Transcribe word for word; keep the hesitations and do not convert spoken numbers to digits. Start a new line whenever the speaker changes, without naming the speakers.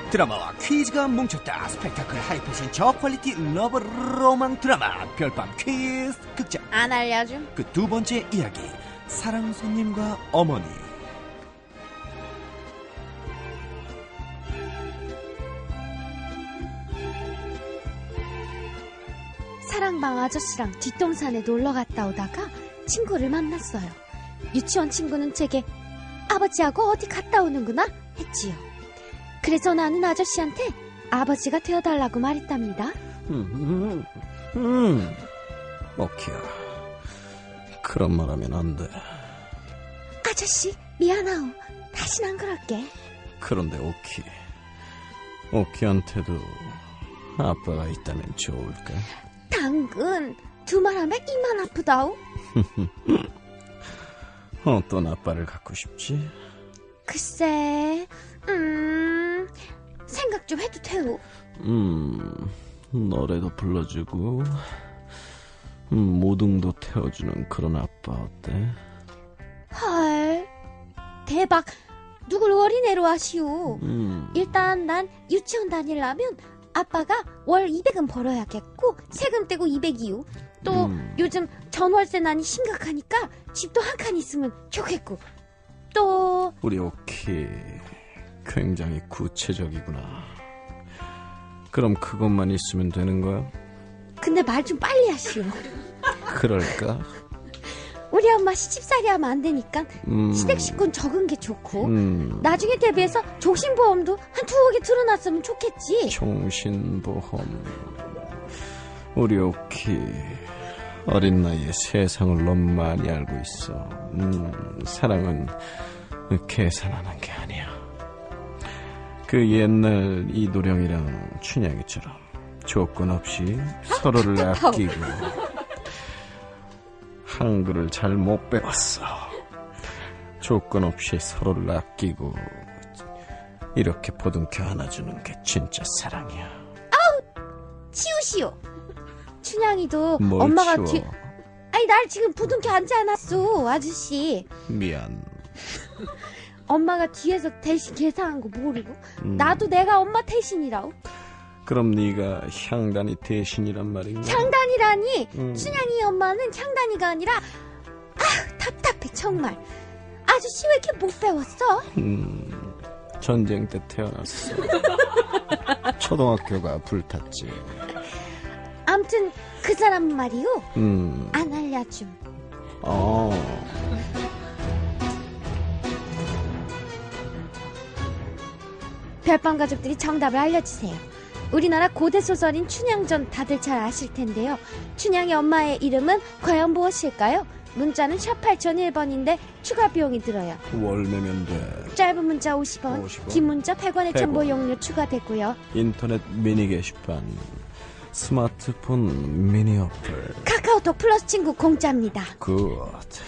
드라마와 퀴즈가 뭉쳤다. 스펙타클 하이패션 저퀄리티 러브 로망 드라마 별밤 퀴즈 극장.
안 알려줌.
그 두 번째 이야기, 사랑 손님과 어머니.
사랑방 아저씨랑 뒷동산에 놀러 갔다 오다가 친구를 만났어요. 유치원 친구는 제게 아버지하고 어디 갔다 오는구나 했지요. 그래서 나는 아저씨한테 아버지가 되어달라고 말했답니다.
음, 음, 음. 오키야, 그런 말 하면 안 돼.
아저씨 미안하오. 다신 안 그럴게.
그런데 오키, 오키한테도 아빠가 있다면 좋을까?
당근 두 말하면 이만 아프다오.
어떤 아빠를 갖고 싶지?
글쎄, 음, 생각 좀 해도 돼요.
음, 노래도 불러주고 음, 모둥도 태워주는 그런 아빠 어때?
헐, 대박. 누굴 어린애로 하시오.
음.
일단 난 유치원 다니려면 아빠가 월 이백은 벌어야겠고 세금 떼고 이백이요. 또
음.
요즘 전월세난이 심각하니까 집도 한 칸 있으면 좋겠고. 또
우리 오키 굉장히 구체적이구나. 그럼 그것만 있으면 되는 거야?
근데 말 좀 빨리 하시오.
그럴까?
우리 엄마 시집살이 하면 안 되니까
음.
시댁식구는 적은 게 좋고
음.
나중에 대비해서 종신보험도 한 두억이 들어놨으면 좋겠지.
종신보험. 우리 오키 어린 나이에 세상을 너무 많이 알고 있어. 음, 사랑은 계산하는 게 아니야. 그 옛날 이도령이랑 춘향이처럼 조건 없이 서로를 아끼고. 한글을 잘 못 배웠어. 조건 없이 서로를 아끼고 이렇게 보듬켜 안아주는 게 진짜 사랑이야.
아우, 치우시오. 춘향이도
뭘
엄마가
치워?
뒤 아니 날 지금 부둥켜 앉지 않았어 아저씨.
미안.
엄마가 뒤에서 대신 계산한 거 모르고.
음.
나도 내가 엄마 대신이라고.
그럼 네가 향단이 대신이란 말인가?
향단이라니.
음.
춘향이 엄마는 향단이가 아니라. 아 답답해 정말. 아저씨 왜 이렇게 못 배웠어?
음, 전쟁 때 태어났어. 초등학교가 불탔지.
암튼 그 사람 말이요.
음.
안 알려줌.
어.
별밤 가족들이 정답을 알려주세요. 우리나라 고대 소설인 춘향전 다들 잘 아실 텐데요. 춘향의 엄마의 이름은 과연 무엇일까요? 문자는 샵 팔공공일 번인데 추가 비용이 들어요.
월매면 돼.
짧은 문자 오십 원,
오십 원.
긴 문자 백 원의
백 원.
정보 용료 추가되고요.
인터넷 미니 게시판, 스마트폰 미니 어플.
카카오톡 플러스 친구 공짜입니다.
굿.